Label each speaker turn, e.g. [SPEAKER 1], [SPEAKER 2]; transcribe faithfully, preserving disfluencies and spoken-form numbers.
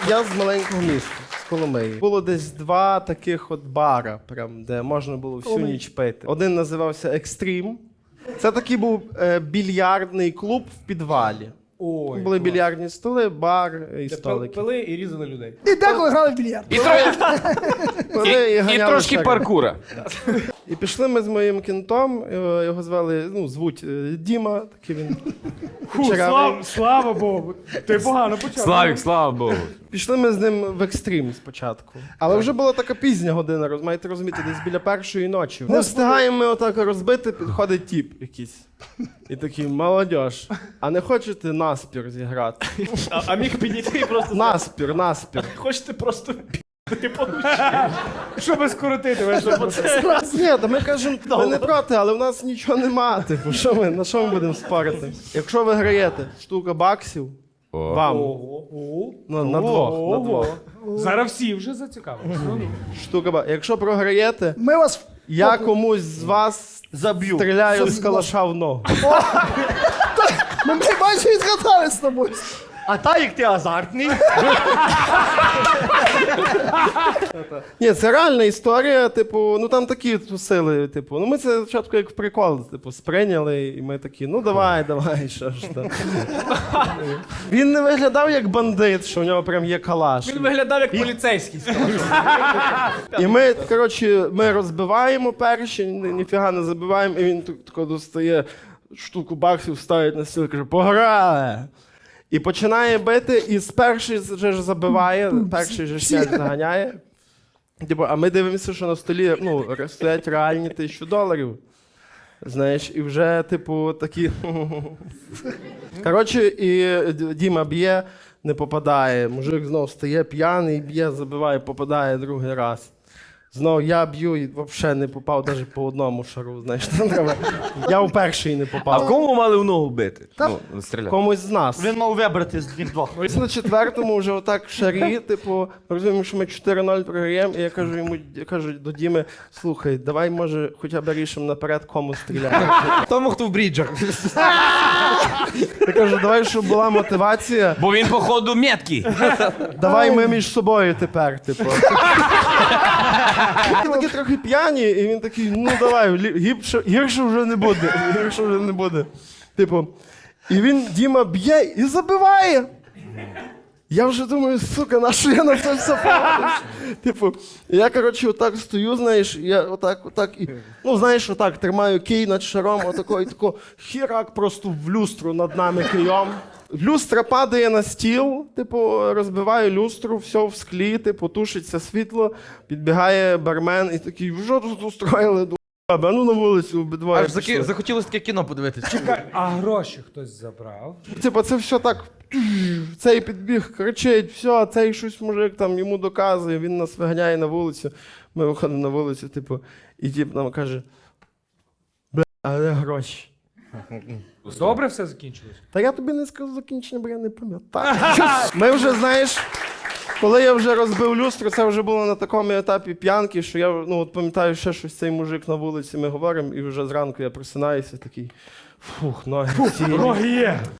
[SPEAKER 1] я з маленького міста, з Коломиї. Було десь два таких от бара, прям, де можна було всю
[SPEAKER 2] Коломиї.
[SPEAKER 1] ніч пити. Один називався Екстрім. Це такий був е, більярдний клуб в підвалі.
[SPEAKER 2] Ой,
[SPEAKER 1] Були
[SPEAKER 2] клас.
[SPEAKER 1] більярдні столи, бар і
[SPEAKER 2] Де
[SPEAKER 1] столики.
[SPEAKER 2] пили і різали людей.
[SPEAKER 3] І деколи грали в більярд.
[SPEAKER 4] І, тро-
[SPEAKER 1] Пили
[SPEAKER 4] і, і
[SPEAKER 1] ганяли
[SPEAKER 4] трошки
[SPEAKER 1] шари.
[SPEAKER 4] паркура.
[SPEAKER 1] І пішли ми з моїм кінтом, його, його звали, ну, звуть е, Діма, такий він.
[SPEAKER 2] Фу,
[SPEAKER 1] кучерявий.
[SPEAKER 2] слава, слава Богу. Ти погано почав.
[SPEAKER 4] Славік, слава Богу.
[SPEAKER 1] Пішли ми з ним в екстрім спочатку. Але вже була така пізня година, роз- маєте розуміти, десь біля першої ночі. Не встигаємо ми отак розбити, підходить тіп якийсь. І такий, молодьож, а не хочете наспір зіграти?
[SPEAKER 2] А, а міг підійти і просто...
[SPEAKER 1] Наспір, наспір.
[SPEAKER 2] Хочете просто пі***ти получити. Щоб скоротити, ви що, це...
[SPEAKER 1] Ні, та ми кажемо, ми не проти, але в нас нічого нема. Типу, що ми, на що ми будемо спорити? Якщо ви граєте штука баксів, вам,
[SPEAKER 2] Ого.
[SPEAKER 1] ну, на двох, на двох.
[SPEAKER 2] Зараз всі вже зацікавилися.
[SPEAKER 1] Штука баксів. Якщо програєте,
[SPEAKER 3] Ми вас...
[SPEAKER 1] я комусь з вас
[SPEAKER 5] Заб'ю.
[SPEAKER 1] стріляю з калаша в ногу.
[SPEAKER 3] Ми, ми майже і згадали з тобою.
[SPEAKER 5] А так як ти азартний,
[SPEAKER 1] Ні, це реальна історія, типу, ну там такі тусили, типу, ну ми це спочатку як в прикол, типу, сприйняли, і ми такі, ну давай, давай, що ж там. Він не виглядав як бандит, що в нього прям є калаш.
[SPEAKER 2] Він виглядав як поліцейський.
[SPEAKER 1] І ми, коротше, ми розбиваємо перші, ні- ніфіга не забиваємо, і він так- тако достає штуку баксів, ставить на стіл і каже, пограли! І починає бити, і з перший же ж забиває, перший же ж м'яч заганяє. Типу, а ми дивимося, що на столі ну, стоять реальні тисячу доларів. Знаєш, і вже, типу, такі. Коротше, і Д- Діма б'є, не попадає. Мужик знов стає п'яний, б'є, забиває, попадає другий раз. Знову я б'ю і взагалі не попав навіть по одному шару. Знаєш, там треба. Я у перший не
[SPEAKER 4] А
[SPEAKER 1] попав.
[SPEAKER 4] кому мали в ногу бити? Ну, стріляти.
[SPEAKER 1] Комусь з нас.
[SPEAKER 5] він мав вибрати з них двох.
[SPEAKER 1] Ось на четвертому вже отак в шарі, типу, ми розуміємо, що ми чотири нуль програємо, і я кажу йому, я кажу до Діми, слухай, давай, може, хоча б рішимо наперед, кому стріляти.
[SPEAKER 4] Тому, хто в бріджах.
[SPEAKER 1] Я кажу, давай, щоб була мотивація,
[SPEAKER 4] Бо він, походу, меткий.
[SPEAKER 1] давай ми між собою тепер, типу. Ми такі трохи п'яні, і він такий, ну давай, лі- гірше, гірше вже не буде, гірше вже не буде. Типу, і він, Діма, б'є і забиває. Я вже думаю, сука, на що я на це все погодився? Типу, я, коротше, отак стою, знаєш, я отак, отак, і, ну, знаєш, отак тримаю кий над шаром, отако, і тако, хірак просто в люстру над нами кийом. Люстра падає на стіл, типу, розбиваю люстру, все в склі, типу, тушиться світло, підбігає бармен і такий, що тут устроїли, ду***, а ну на вулицю обидвоє
[SPEAKER 6] Аж заки...
[SPEAKER 1] пішли.
[SPEAKER 6] захотілося таке кіно подивитися.
[SPEAKER 2] Чекай, а гроші хтось забрав?
[SPEAKER 1] Типа, це все так. Цей підбіг, кричить, все, цей щось мужик там йому доказує, він нас виганяє на вулицю. Ми виходимо на вулицю, типу, і тип нам каже: бля, а де гроші?
[SPEAKER 2] Добре все закінчилось?
[SPEAKER 1] Та я тобі не скажу закінчення, бо я не пам'ятаю. Ми вже, знаєш, коли я вже розбив люстру, це вже було на такому етапі п'янки, що я ну, от пам'ятаю ще щось цей мужик на вулиці, ми говоримо, і вже зранку я просинаюся такий, фух, ноги. ці».
[SPEAKER 2] Ноги є.